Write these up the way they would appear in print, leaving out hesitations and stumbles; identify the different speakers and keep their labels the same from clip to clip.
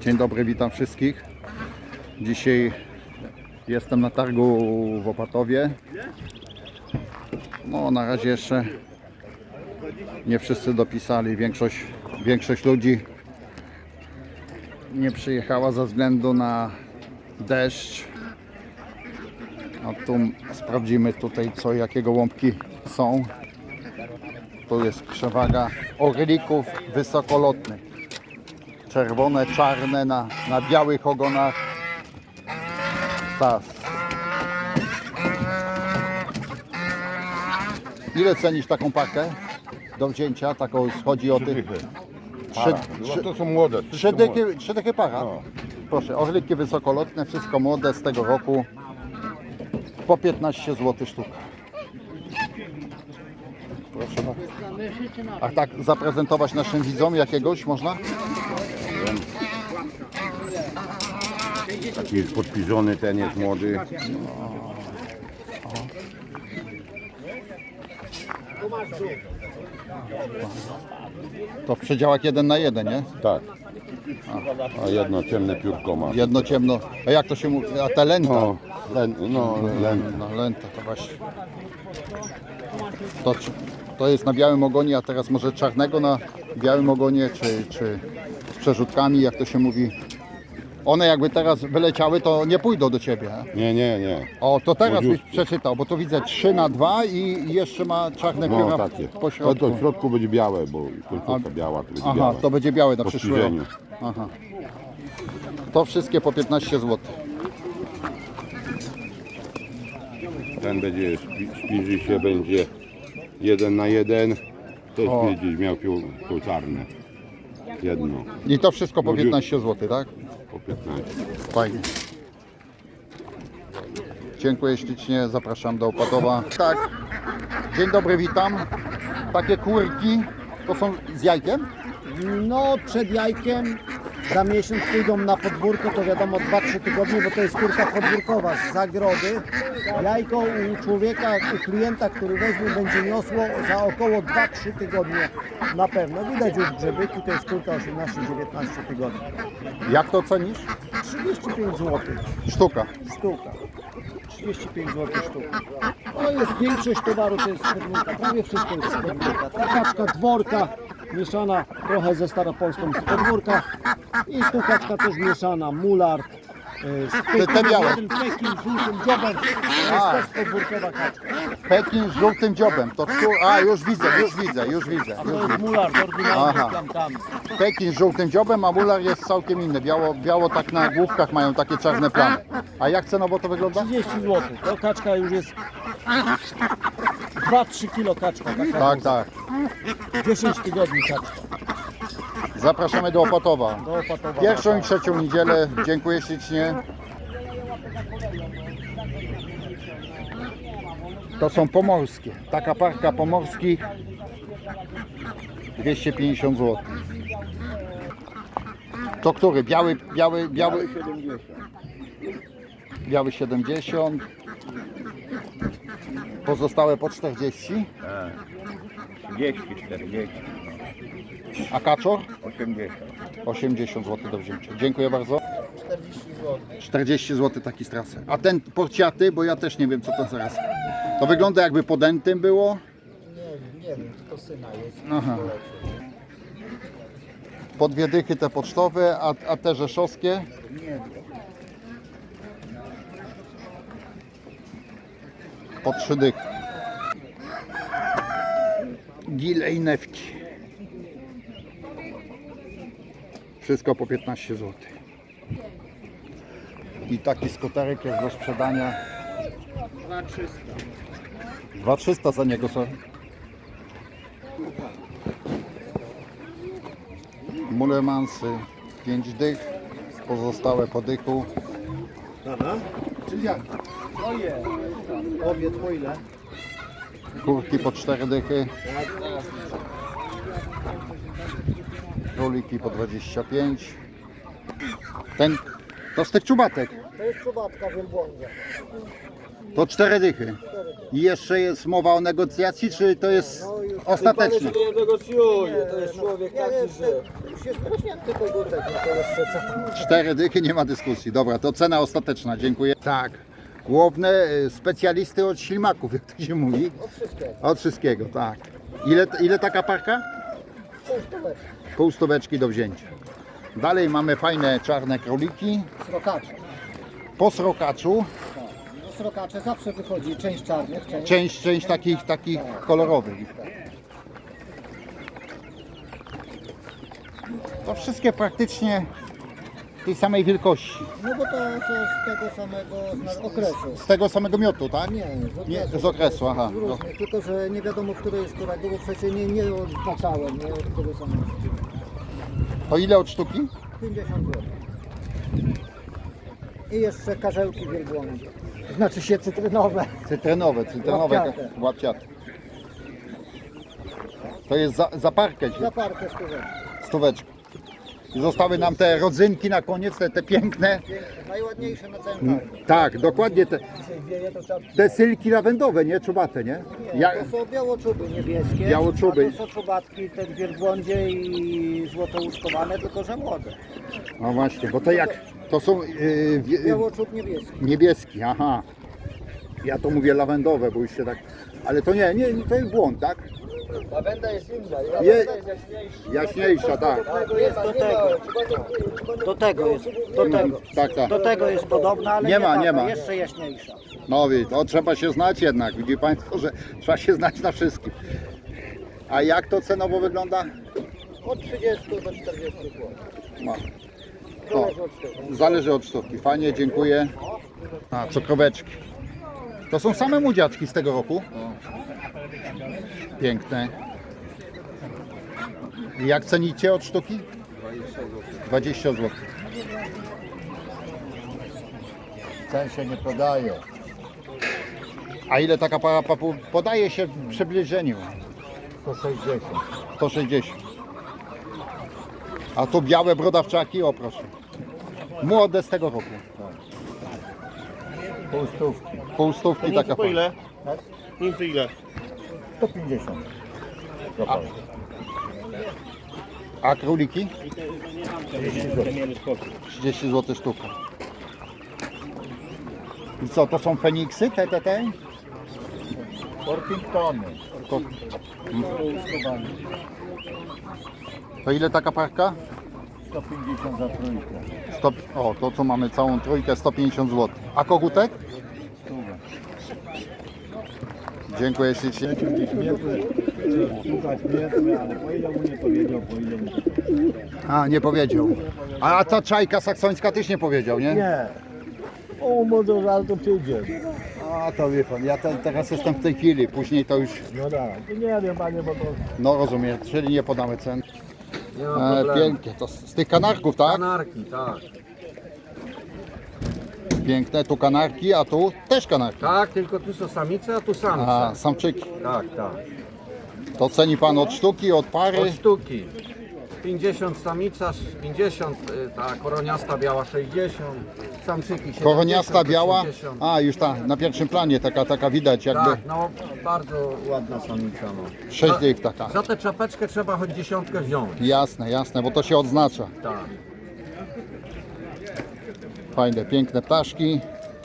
Speaker 1: Dzień dobry, witam wszystkich. Dzisiaj jestem na targu w Opatowie. No, na razie jeszcze nie wszyscy dopisali. Większość ludzi nie przyjechała ze względu na deszcz. A tu sprawdzimy tutaj, jakie gołąbki są. Tu jest przewaga orlików wysokolotnych. Czerwone, czarne na białych ogonach. Tak. Ile cenisz taką parkę do wzięcia? Taką chodzi o tych.
Speaker 2: To są młode.
Speaker 1: Trzy dychy para.
Speaker 2: No.
Speaker 1: Proszę, orliki wysokolotne, wszystko młode z tego roku. Po 15 zł sztuka. Proszę bardzo. A tak zaprezentować naszym widzom jakiegoś można?
Speaker 2: Taki jest podpiżony, ten jest młody.
Speaker 1: To w przedziałach 1 na 1, nie?
Speaker 2: Tak. A jedno ciemne piórko ma.
Speaker 1: Jedno ciemno. A jak to się mówi? A te lęta?
Speaker 2: No, lęta.
Speaker 1: No, lęta to właśnie. To jest na białym ogonie, a teraz może czarnego na białym ogonie, czy z przerzutkami, jak to się mówi. One jakby teraz wyleciały, to nie pójdą do ciebie.
Speaker 2: Nie.
Speaker 1: O, to teraz byś
Speaker 2: Młodziutkie.
Speaker 1: przeczytał, bo tu widzę 3 na 2 i jeszcze ma czarne
Speaker 2: No
Speaker 1: pióra
Speaker 2: takie.
Speaker 1: po środku.
Speaker 2: To w środku będzie białe, bo końcówka biała to będzie
Speaker 1: Aha,
Speaker 2: białe.
Speaker 1: to będzie białe na
Speaker 2: Po
Speaker 1: przyszły rok.
Speaker 2: spiżeniu.
Speaker 1: Aha. To wszystkie po 15 zł.
Speaker 2: Ten będzie spiży się, będzie 1 na 1. Też
Speaker 1: O.
Speaker 2: będzie miał piór czarne. Jedno.
Speaker 1: I to wszystko po
Speaker 2: Młodziutkie.
Speaker 1: 15 zł, tak?
Speaker 2: Po 15.
Speaker 1: Fajnie. Dziękuję ślicznie, zapraszam do Opatowa. Tak, dzień dobry, witam. Takie kurki, to są z jajkiem?
Speaker 3: No, przed jajkiem za miesiąc pójdą na podwórko, to wiadomo 2-3 tygodnie, bo to jest kurka podwórkowa z zagrody. Jajko u człowieka, u klienta, który weźmie, będzie niosło za około 2-3 tygodnie na pewno. Widać już grzebyki, to jest kurka 18-19 tygodni.
Speaker 1: Jak to cenisz?
Speaker 3: 35 zł
Speaker 1: Sztuka.
Speaker 3: sztuka. 35 zł sztuka. To jest większość towaru, to jest spodnika, prawie wszystko jest spodnika. Ta kaczka dworka mieszana trochę ze staropolską z podwórka i tu kaczka też mieszana, mulard.
Speaker 1: Te białe.
Speaker 3: Jeden Pekin z żółtym dziobem, to jest
Speaker 1: A.
Speaker 3: też podwórkowa kaczka.
Speaker 1: Pekin z żółtym dziobem. A, już widzę.
Speaker 3: A to jest mulard oryginalny
Speaker 1: Aha.
Speaker 3: z plamkami.
Speaker 1: Pekin z żółtym dziobem, a mular jest całkiem inny. Biało tak na główkach mają takie czarne plamy. A jak cenowo to wygląda?
Speaker 3: 30 zł. To kaczka już jest 2-3 kilo kaczka. Taka
Speaker 1: Tak,
Speaker 3: duża.
Speaker 1: tak.
Speaker 3: 10 tygodni kaczka.
Speaker 1: Zapraszamy do Opatowa.
Speaker 3: Do Opatowa.
Speaker 1: Pierwszą i trzecią niedzielę. Dziękuję ślicznie. To są pomorskie. Taka parka pomorskich 250 zł. To który? Biały
Speaker 2: 70.
Speaker 1: biały 70. Pozostałe po 40.
Speaker 4: 30, 40,
Speaker 1: A kaczor?
Speaker 4: 80.
Speaker 1: 80 zł do wzięcia. Dziękuję bardzo. 40 zł taki strasy. A ten porciaty, bo ja też nie wiem co to zaraz. To wygląda jakby podętym było.
Speaker 3: Nie wiem, to syna jest.
Speaker 1: Aha. Po 2 dychy te pocztowe, a te rzeszowskie? Po 3 dychy. Gile i newki. Wszystko po 15 zł. I taki skuterek jest do sprzedania. 2300 za niego, co? Mulemansy 5 dych, pozostałe po dychu.
Speaker 3: Czyli jak? Oje. Obiad po ile?
Speaker 1: Kurki po 4 dychy. Króliki po 25. Ten to z tych czubatek.
Speaker 3: To jest czubatka wielbłądzia.
Speaker 1: To 4 dychy. I jeszcze jest mowa o negocjacji, czy to jest ostateczne?
Speaker 5: Nie negocjuje, to jest człowiek taki, że...
Speaker 3: Już jest rośnięty kogutek, no to jeszcze co?
Speaker 1: 4 dychy, nie ma dyskusji. Dobra, to cena ostateczna, dziękuję. Tak, główne specjalisty od ślimaków, jak to się mówi.
Speaker 3: Od wszystkiego.
Speaker 1: Od wszystkiego, tak. Ile taka parka?
Speaker 3: Półstóweczka.
Speaker 1: Pół stóweczki do wzięcia. Dalej mamy fajne czarne króliki.
Speaker 3: Srokacze.
Speaker 1: Po srokaczu
Speaker 3: No srokacze zawsze wychodzi część czarnych, część...
Speaker 1: część takich kolorowych. To wszystkie praktycznie tej samej wielkości.
Speaker 3: No bo to są z tego samego okresu.
Speaker 1: Z tego samego miotu, tak?
Speaker 3: Nie,
Speaker 1: Nie, z okresu, aha.
Speaker 3: Z różnych, tylko że nie wiadomo, które jest którego, bo przecież nie odznaczałem, nie, które są.
Speaker 1: To ile od sztuki?
Speaker 3: 50 zł. I jeszcze karzełki wielbłądzie. Znaczy się cytrynowe.
Speaker 1: Cytrynowe,
Speaker 3: Łapciate.
Speaker 1: łapciate. To jest za parkę,
Speaker 3: Za parkę stówek.
Speaker 1: stóweczkę. I zostały nam te rodzynki na koniec, te piękne.
Speaker 3: Najładniejsze na całym targu.
Speaker 1: Tak, dokładnie te sylki lawendowe, nie? Czubate, nie?
Speaker 3: To są białoczuby niebieskie,
Speaker 1: Białoczuby.
Speaker 3: a to są czubatki, te wielbłądzie i złotouszkowane, tylko że młode.
Speaker 1: No właśnie, bo to jak, to są
Speaker 3: Białoczub niebieski.
Speaker 1: niebieski, aha. Ja to mówię lawendowe, bo już się tak, ale to nie, to jest błąd, tak?
Speaker 5: Lawenda jest inna,
Speaker 1: Je-
Speaker 5: lawenda jest jaśniejsza.
Speaker 1: Jaśniejsza, tak.
Speaker 3: Jest do tego. Do tego jest, do tego.
Speaker 1: Tak, tak.
Speaker 3: Do tego jest podobna, ale
Speaker 1: Nie ma,
Speaker 3: taka,
Speaker 1: nie ma.
Speaker 3: jeszcze jaśniejsza.
Speaker 1: No to trzeba się znać jednak, widzi Państwo, że trzeba się znać na wszystkim. A jak to cenowo wygląda?
Speaker 3: Od 30 do 40 zł.
Speaker 1: No.
Speaker 3: Zależy od tego.
Speaker 1: Zależy od sztuki. Fajnie, dziękuję. A, cukroweczki. To są same młodziaczki z tego roku. Piękne. I jak cenicie od sztuki? 20 zł.
Speaker 6: Cen się nie podaje.
Speaker 1: A ile taka para papu podaje się w przybliżeniu?
Speaker 6: 160.
Speaker 1: 160. A tu białe brodawczaki, o proszę. Młode z tego roku.
Speaker 6: Półstówki.
Speaker 1: Półstówki taka para.
Speaker 5: Nimfy ile?
Speaker 6: 150.
Speaker 1: A króliki? 30 zł sztuka. I co, to są Feniksy? Te?
Speaker 6: Orpingtony.
Speaker 1: To, to ile taka parka?
Speaker 6: 150 za trójkę.
Speaker 1: O, to co mamy całą trójkę, 150 zł. A kogutek? Dziękuję ślicznie.
Speaker 6: Słuchać mnie, ale po ile mu nie powiedział, po ile mu...
Speaker 1: A, nie powiedział. A ta czajka saksońska też nie powiedział, nie?
Speaker 6: Nie. O, może ale to przyjdzie.
Speaker 1: A, to wie pan, ja teraz jestem w tej chwili, później to już,
Speaker 6: No tak. To nie wiem, panie, bo to...
Speaker 1: no rozumiem, czyli nie podamy cen.
Speaker 5: Nie ma problemu.
Speaker 1: Pięknie, to z tych kanarków, tak?
Speaker 5: Kanarki, tak.
Speaker 1: Piękne, tu kanarki, a tu też kanarki.
Speaker 5: Tak, tylko tu są samice, a tu samce.
Speaker 1: A, samczyki.
Speaker 5: Tak, tak.
Speaker 1: To ceni pan od sztuki, od pary?
Speaker 5: Od sztuki. 50 samica, 50, ta koroniasta biała 60, samczyki 70,
Speaker 1: Koroniasta biała,
Speaker 5: 80.
Speaker 1: a już ta, na pierwszym planie, taka widać jakby,
Speaker 5: Tak, no bardzo ładna samica. No.
Speaker 1: 6
Speaker 5: Za-
Speaker 1: dych taka.
Speaker 5: Za tę czapeczkę trzeba choć dziesiątkę wziąć.
Speaker 1: Jasne, bo to się odznacza.
Speaker 5: Tak.
Speaker 1: Fajne, piękne ptaszki.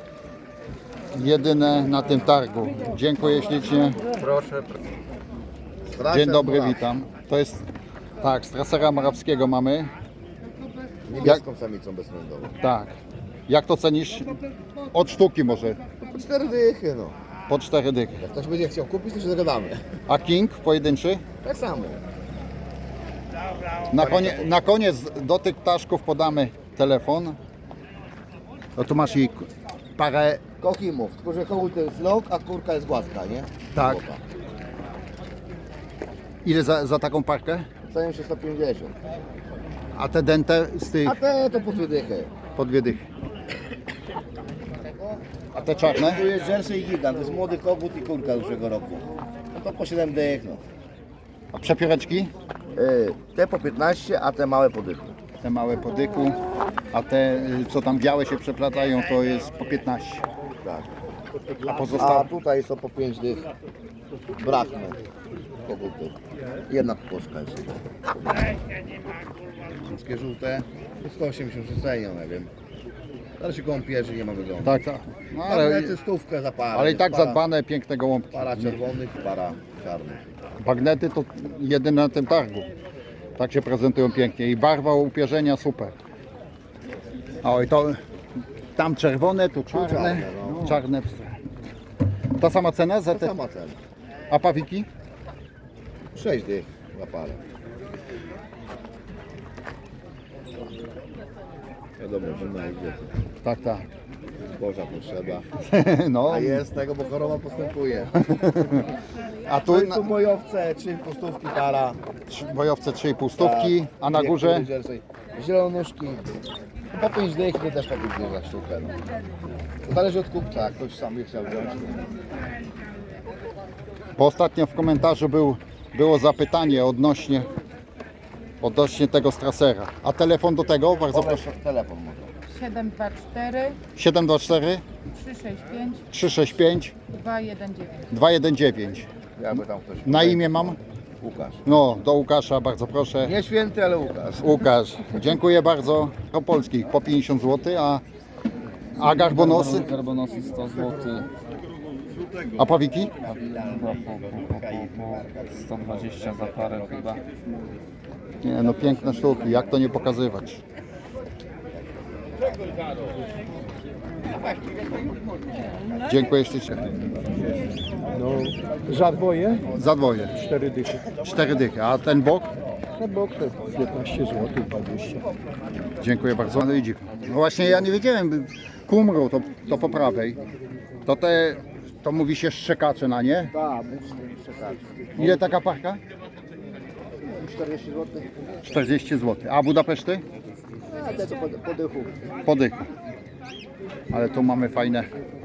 Speaker 1: Jedyne na tym targu. Dziękuję ślicznie.
Speaker 5: Proszę.
Speaker 1: Dzień dobry, witam. To jest, tak, z Trasera Morawskiego mamy.
Speaker 7: Niebieską samicą bezwzględową.
Speaker 1: Tak. Jak to cenisz? Od sztuki może,
Speaker 7: Po 4 dychy, no.
Speaker 1: po 4 dychy.
Speaker 7: Jak ktoś będzie chciał kupić, to się zagadamy.
Speaker 1: A King pojedynczy?
Speaker 7: Tak samo.
Speaker 1: Na koniec do tych ptaszków podamy telefon. No tu masz i parę,
Speaker 7: Kochimów, tylko że kołul to jest lok, a kurka jest gładka, nie?
Speaker 1: tak.
Speaker 7: Chłopa.
Speaker 1: Ile za taką parkę?
Speaker 7: Cenią się 150.
Speaker 1: A te dente z tych
Speaker 7: A te to po 2 dychy.
Speaker 1: po 2 dychy. A te czarne?
Speaker 7: Tu jest Jersey Gigant, to jest młody kogut i kurka zeszłego roku. No to po 7 dych, no.
Speaker 1: A przepióreczki?
Speaker 7: Te po 15, a te małe po dychu.
Speaker 1: te małe po dyku, a te co tam białe się przeplatają to jest po 15.
Speaker 7: Tak.
Speaker 1: A
Speaker 7: A
Speaker 1: pozostałe
Speaker 7: tutaj są po 5 dych. Brakne koguty. Jedna kłoszka jest. Wszystkie żółte. 180 cenią, nie wiem. Ale się koło pierzy nie ma wyglądu.
Speaker 1: tak, tak. No,
Speaker 7: Ale stówkę za parę.
Speaker 1: ale i
Speaker 7: jest
Speaker 1: tak
Speaker 7: para,
Speaker 1: zadbane piękne gołąbki.
Speaker 7: Para czerwonych, para czarnych.
Speaker 1: Bagnety to jedyne na tym targu. Tak się prezentują pięknie i barwa upierzenia super. Oj, to tam czerwone, tu czarne,
Speaker 7: czarne, no.
Speaker 1: czarne psy. Ta sama cena za
Speaker 7: To
Speaker 1: te,
Speaker 7: sama cena.
Speaker 1: a pawiki?
Speaker 7: 6 dych za parę. Wiadomo, że na idzie.
Speaker 1: Tak, tak.
Speaker 7: Boża potrzeba.
Speaker 1: No,
Speaker 7: A jest tego, bo choroba postępuje.
Speaker 1: a
Speaker 7: Tu,
Speaker 1: tu na,
Speaker 7: tu bojowce, 3 pustówki para.
Speaker 1: bojowce 3,5 stówki, a na
Speaker 7: Dwie
Speaker 1: górze
Speaker 7: kury, zielonuszki. Po 5 dych to też tak idzie za sztukę. No. To zależy od kupca, jak ktoś sam by chciał wziąć.
Speaker 1: bo ostatnio w komentarzu było zapytanie odnośnie tego strasera. A telefon do tego, bardzo proszę.
Speaker 7: Proszę telefon może.
Speaker 8: 724
Speaker 1: 724
Speaker 8: 365
Speaker 1: 365
Speaker 8: 219.
Speaker 1: 219.
Speaker 7: Jakby tam ktoś.
Speaker 1: Na imię mam?
Speaker 7: Łukasz.
Speaker 1: No, do Łukasza bardzo proszę.
Speaker 7: Nie święty, ale Łukasz.
Speaker 1: Łukasz, dziękuję bardzo. Do polskich po 50 zł, a garbonosy?
Speaker 9: Garbonosy 100 zł,
Speaker 1: A pawiki?
Speaker 9: po 120 za parę chyba.
Speaker 1: Nie, no piękne sztuki, jak to nie pokazywać. Dziękuję ślicznie.
Speaker 6: No, za dwoje
Speaker 1: Za dwoje.
Speaker 6: 4 dychy.
Speaker 1: 4 dychy, a ten bok?
Speaker 6: Na bok to 15 zł, 20.
Speaker 1: Dziękuję bardzo. No i dziwne. No właśnie ja nie wiedziałem, kumru to po prawej. To mówi się szczekacze na nie?
Speaker 3: Tak, czekać.
Speaker 1: Ile taka parka?
Speaker 3: 40 zł.
Speaker 1: 40 zł. A Budapeszty?
Speaker 3: A te co po dychu.
Speaker 1: Po dychu. Ale tu mamy fajne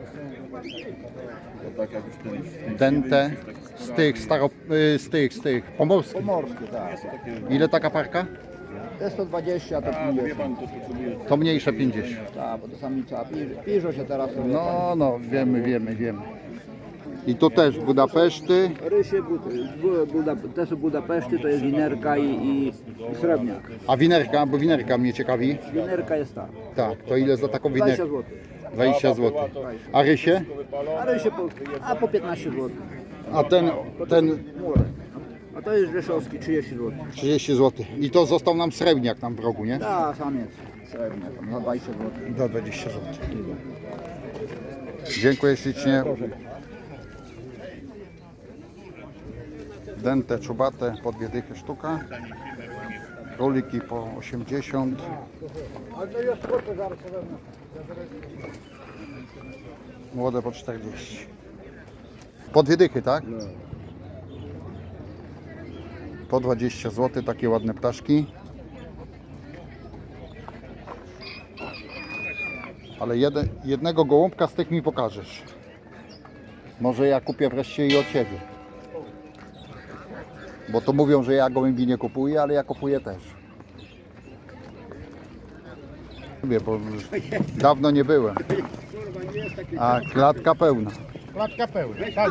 Speaker 1: dente z tych pomorskich.
Speaker 3: Pomorskie, tak.
Speaker 1: Ile taka parka?
Speaker 3: Te 120, a te 50.
Speaker 1: To mniejsze 50.
Speaker 3: Tak, bo to samica. Piżo się teraz robi.
Speaker 1: No, wiemy. I tu też Budapeszty.
Speaker 3: Rysie, te są Budapeszty, to jest winerka i srebrniak.
Speaker 1: A winerka, bo winerka mnie ciekawi.
Speaker 3: Winerka jest ta.
Speaker 1: Tak, to ile za taką
Speaker 3: 20
Speaker 1: winerkę?
Speaker 3: zł.
Speaker 1: 20 zł. A rysie?
Speaker 3: A rysie po 15 zł.
Speaker 1: A ten
Speaker 3: Murek. A to jest rzeszowski, 30 zł.
Speaker 1: 30 zł. I to został nam srebrniak tam w rogu, nie?
Speaker 3: Tak, samiec. Srebrniak, za 20 zł.
Speaker 1: Do 20 zł. Dziękuję ślicznie. Dente czubate po 2 dychy sztuka. Króliki po 80. Młode po 40. Po 2 dychy, tak? Po 20 zł takie ładne ptaszki. Ale jednego gołąbka z tych mi pokażesz. Może ja kupię wreszcie i od Ciebie. Bo to mówią, że ja gołębi nie kupuję, ale ja kupuję też. Lubię, bo już dawno nie byłem. A klatka pełna.
Speaker 6: Klatka pełna, tak.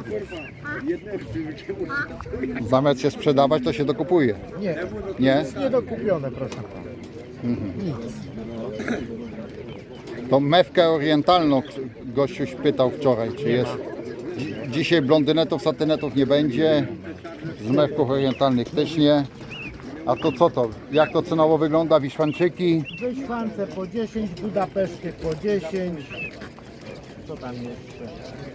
Speaker 1: Zamiast się sprzedawać, to się dokupuje.
Speaker 6: Nie,
Speaker 1: Nie?
Speaker 6: niedokupione, proszę pana.
Speaker 1: To mewkę orientalną gościu pytał wczoraj, czy jest. Dzisiaj blondynetów, satynetów nie będzie. Z mewków orientalnych też nie. A to co to? Jak to cenowo wygląda? Wiszwanczyki?
Speaker 6: Wyszwance po 10, Budapeszty po 10. Co tam jeszcze?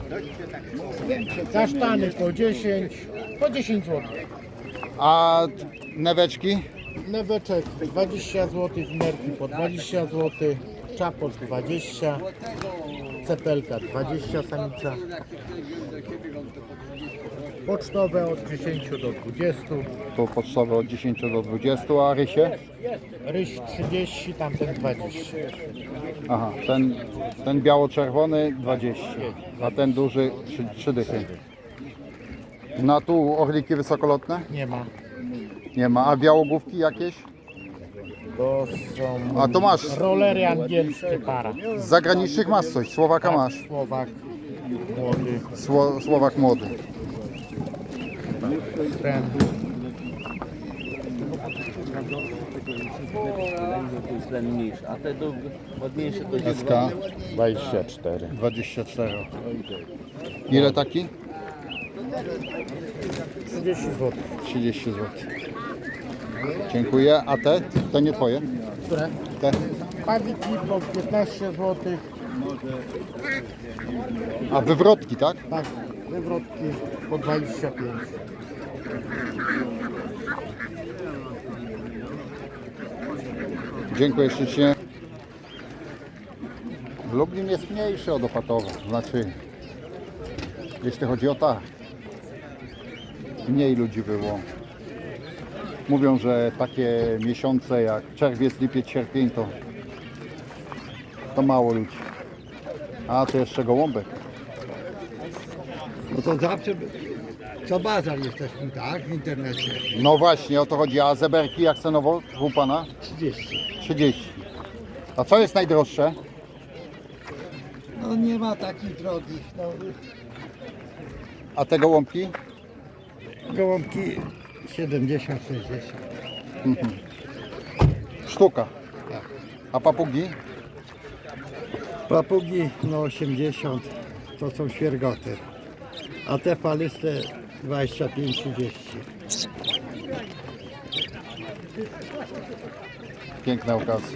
Speaker 6: Kasztany po 10. Po 10 zł.
Speaker 1: A neweczki?
Speaker 6: Neweczek 20 zł, wnerki po 20 zł. Czaposz 20. Cepelka 20 samica. Pocztowe od 10 do 20.
Speaker 1: Tu pocztowe od 10 do 20, a rysie?
Speaker 6: Ryś 30, tamten 20.
Speaker 1: Aha, ten biało-czerwony 20, a ten duży 3 dychy. No tu orliki wysokolotne?
Speaker 6: Nie ma.
Speaker 1: Nie ma. A białogłówki jakieś?
Speaker 6: To są
Speaker 1: A to masz,
Speaker 6: rolery angielskie para.
Speaker 1: z zagranicznych masz coś, Słowaka masz.
Speaker 6: Słowak młody.
Speaker 1: Słowak młody.
Speaker 6: Ten.
Speaker 9: A te ładniejsze to jest
Speaker 1: SK
Speaker 6: 24.
Speaker 1: 24. Ile taki?
Speaker 6: 30 zł.
Speaker 1: 30 zł. Dziękuję. A te? To nie twoje?
Speaker 6: Które?
Speaker 1: Te?
Speaker 6: Padziki po 15 zł.
Speaker 1: A wywrotki, tak?
Speaker 6: Tak, wywrotki po 25.
Speaker 1: Dziękuję ślicznie. Lublin jest mniejszy od Opatowa, znaczy jeśli chodzi o targ. Mniej ludzi było. Mówią, że takie miesiące jak czerwiec, lipiec, sierpień to mało ludzi. A to jeszcze gołąbek.
Speaker 7: No to zawsze co bazar jesteśmy, tak? W internecie.
Speaker 1: No właśnie, o to chodzi. A zeberki jak cenowo u pana?
Speaker 7: 30.
Speaker 1: 30. A co jest najdroższe?
Speaker 7: No nie ma takich drogich. No.
Speaker 1: A te gołąbki?
Speaker 7: Gołąbki 70, 60.
Speaker 1: Sztuka. A papugi?
Speaker 7: Papugi no 80, to są świergoty. A te falyste 25-30.
Speaker 1: Piękne okazje.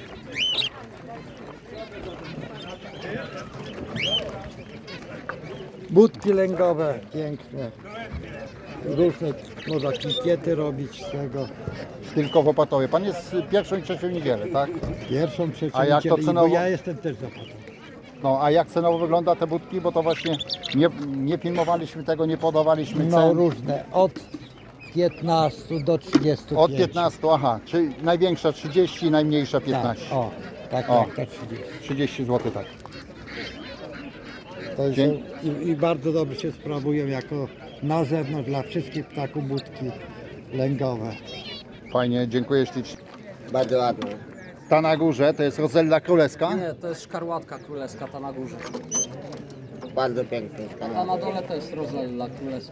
Speaker 7: Budki lęgowe, piękne. Różne, można kikiety robić z tego.
Speaker 1: Tylko w Opatowie. Pan jest pierwszą i trzecią niedzielę, tak?
Speaker 7: Pierwszą, trzecią
Speaker 1: A jak to
Speaker 7: niedzielę,
Speaker 1: cenowo?
Speaker 7: bo ja jestem też zapłacony.
Speaker 1: No a jak cenowo wygląda te budki? Bo to właśnie nie filmowaliśmy tego, nie podawaliśmy cen.
Speaker 7: No różne, od 15 do 35.
Speaker 1: Od 15, aha, czyli największa 30, najmniejsza 15.
Speaker 7: Tak, o, tak,
Speaker 1: O.
Speaker 7: tak, to 30.
Speaker 1: 30 zł, tak.
Speaker 7: To
Speaker 1: Dzień-
Speaker 7: są, i bardzo dobrze się sprawują jako na zewnątrz dla wszystkich ptaków budki lęgowe.
Speaker 1: Fajnie, dziękuję ślicznie.
Speaker 7: Bardzo ładne.
Speaker 1: Ta na górze to jest Rozella Królewska.
Speaker 9: Nie, to jest szkarłatka królewska, ta na górze.
Speaker 7: Bardzo piękne.
Speaker 9: A na dole to jest rozella królewska.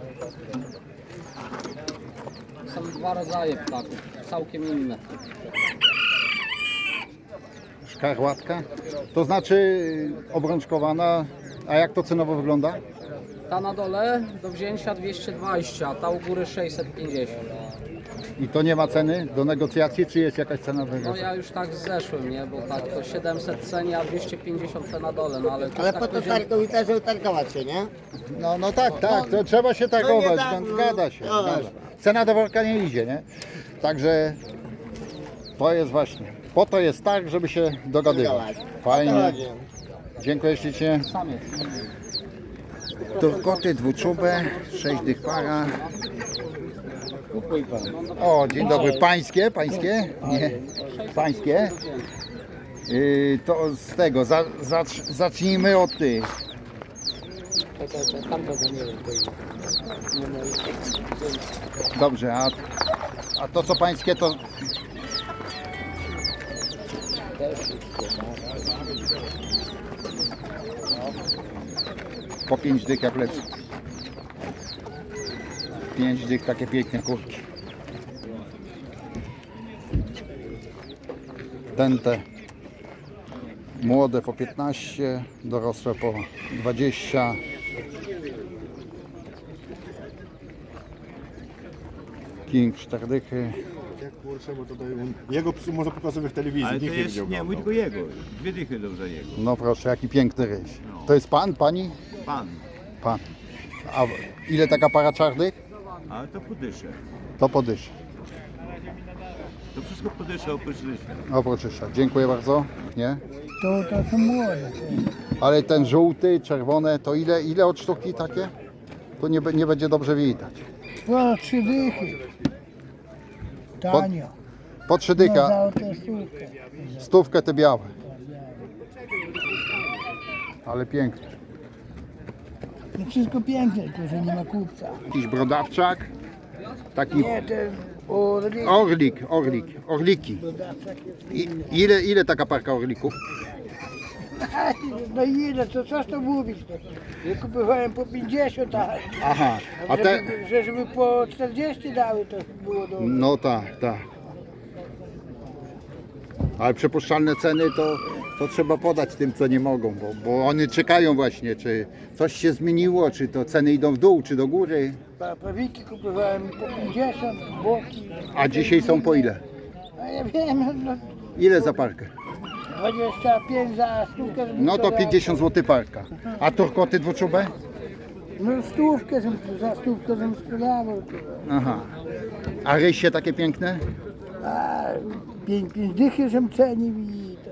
Speaker 9: Są dwa rodzaje ptaków, całkiem inne.
Speaker 1: Szkarłatka. To znaczy obrączkowana. A jak to cenowo wygląda?
Speaker 9: Ta na dole do wzięcia 220, a ta u góry 650.
Speaker 1: I to nie ma ceny do negocjacji, czy jest jakaś cena do
Speaker 9: No
Speaker 1: negocjacji?
Speaker 9: ja już tak zeszłem, nie? Bo tak to 700 ceni, a 250 te na dole, no ale to
Speaker 7: Ale
Speaker 9: tak
Speaker 7: po to
Speaker 9: powiedziałem-
Speaker 7: też utargować się, nie?
Speaker 1: No tak, to trzeba się targować, zgadza się. Zgadza. Cena do worka nie idzie, nie? Także to jest właśnie, po to jest tak, żeby się dogadywać. Fajnie. Dziękuję ślicznie.
Speaker 9: Samiec.
Speaker 1: Turkoty dwuczubę, 6 dych para. O, dzień dobry. Pańskie? Pańskie? Nie. Pańskie? To z tego, zacznijmy od tych. Dobrze, a to co pańskie to... Po 5 dych jak lecę. 5 dych, takie piękne kurki. Te młode po 15, dorosłe po 20. King 4 dychy.
Speaker 10: Kurczę, bo tutaj jego psy można pokazywać w telewizji,
Speaker 4: Ale to
Speaker 10: nikt nie
Speaker 4: jest,
Speaker 10: będzie
Speaker 4: nie, mój
Speaker 10: oglądał.
Speaker 4: tylko jego. 2 dychy dobrze jego.
Speaker 1: No proszę, jaki piękny ryś. To jest pan, pani?
Speaker 4: Pan.
Speaker 1: Pan. A ile taka para czarnych?
Speaker 4: Ale to podyszę.
Speaker 1: To podysz.
Speaker 4: To wszystko podyszę oprócz rysia.
Speaker 1: Oprócz rysza. Dziękuję bardzo. Nie?
Speaker 6: To są młode.
Speaker 1: Ale ten żółty, czerwone, to ile od sztuki takie? To nie będzie dobrze widać.
Speaker 6: No, 3 dychy. Tanio.
Speaker 1: Po 3 dycha,
Speaker 6: tę stówkę.
Speaker 1: stówkę te białe. Ale piękne.
Speaker 6: No wszystko piękne, tylko że nie ma kupca.
Speaker 1: Jakiś brodawczak. Taki
Speaker 6: Nie,
Speaker 1: Orliki. Ile taka parka orlików?
Speaker 6: No ile, to coś to mówić? Ja kupowałem po 50,
Speaker 1: Aha, a te...
Speaker 6: żeby po 40 dały, to było dobrze.
Speaker 1: No tak. Ale przypuszczalne ceny to trzeba podać tym, co nie mogą, bo oni czekają właśnie, czy coś się zmieniło, czy to ceny idą w dół, czy do góry.
Speaker 6: Pawiki kupowałem po 50, boki.
Speaker 1: A dzisiaj są po ile?
Speaker 6: A ja wiem, no
Speaker 1: Ile za parkę?
Speaker 6: 25 za sztukę.
Speaker 1: No to 50 zł parka. A turkoty dwuczubę?
Speaker 6: No za stówkę żem sprzedawał.
Speaker 1: Aha. A rysie takie piękne?
Speaker 6: A 5 dychy żem cenił i to.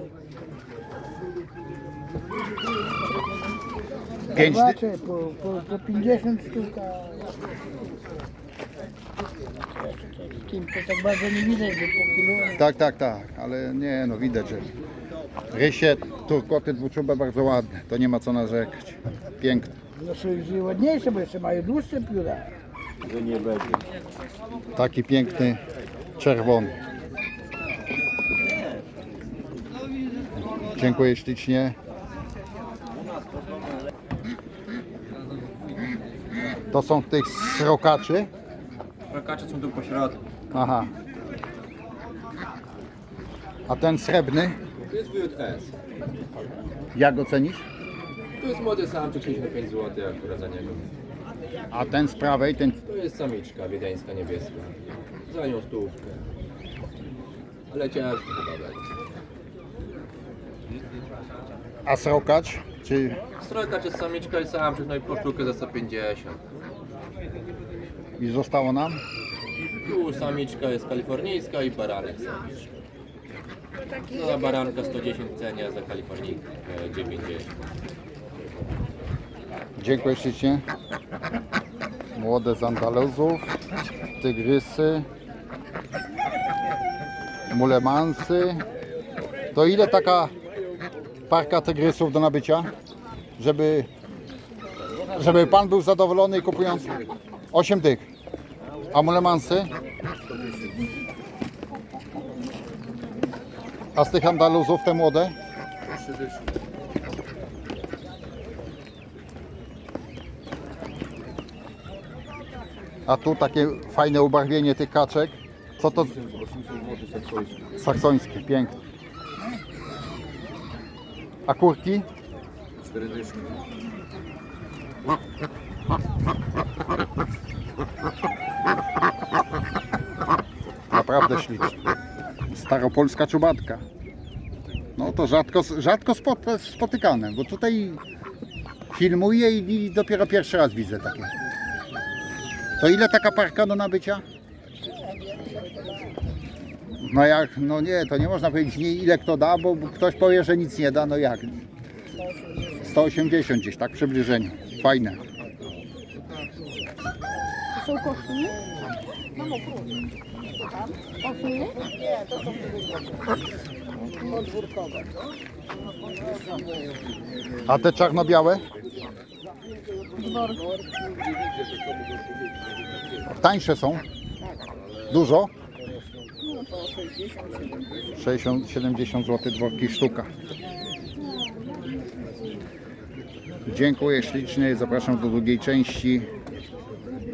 Speaker 1: 5
Speaker 6: Zobaczę, po 50 sztuk. Kim to tak bardzo nie widać, bo po kilo.
Speaker 1: Tak, ale nie, no widać, że rysie, turkoty dwuczubę bardzo ładne, to nie ma co narzekać. Piękne.
Speaker 6: No są już ładniejsze, bo jeszcze mają dłuższe pióra.
Speaker 1: Taki piękny, czerwony. Dziękuję ślicznie. To są tych srokaczy?
Speaker 5: Rokacze są tu po środku.
Speaker 1: Aha. A ten srebrny?
Speaker 5: To jest WJS.
Speaker 1: Jak ocenisz?
Speaker 5: To jest młody samczyk, 65 zł akurat za niego.
Speaker 1: A ten z prawej, ten...
Speaker 5: To jest samiczka wiedeńska niebieska. Za nią stówkę. Ale ciężko chyba będzie.
Speaker 1: A srokacz? Czy...
Speaker 5: Strojka jest samiczka i samczyk, no i po sztukę za 150.
Speaker 1: I zostało nam?
Speaker 5: Tu samiczka jest kalifornijska i baranek samiczka. No za baranka 110 cenia, za kalifornijkę 90.
Speaker 1: Dziękuję ślicznie. Młode z Andaluzów, tygrysy, mulemansy. To ile taka parka tygrysów do nabycia? Żeby pan był zadowolony kupując 8 dych. A mulemansy? A z tych Andaluzów te młode? A tu takie fajne ubarwienie tych kaczek. Co to? Saksońskie, piękne. A kurki?
Speaker 5: 4 dyszki.
Speaker 1: Naprawdę ślicznie. Staropolska czubatka. No to rzadko spotykane, bo tutaj filmuję i dopiero pierwszy raz widzę takie. To ile taka parka do nabycia? No jak, no nie, to nie można powiedzieć ile kto da, bo ktoś powie, że nic nie da, no jak? 180 gdzieś, tak w przybliżeniu. Fajne.
Speaker 8: To są koszuli? Mamo, koszuli?
Speaker 6: Nie, to są podwórkowe.
Speaker 1: A te czarno-białe? Tańsze są? Dużo? 60-70 zł dworki sztuka. Dziękuję ślicznie, zapraszam do drugiej części.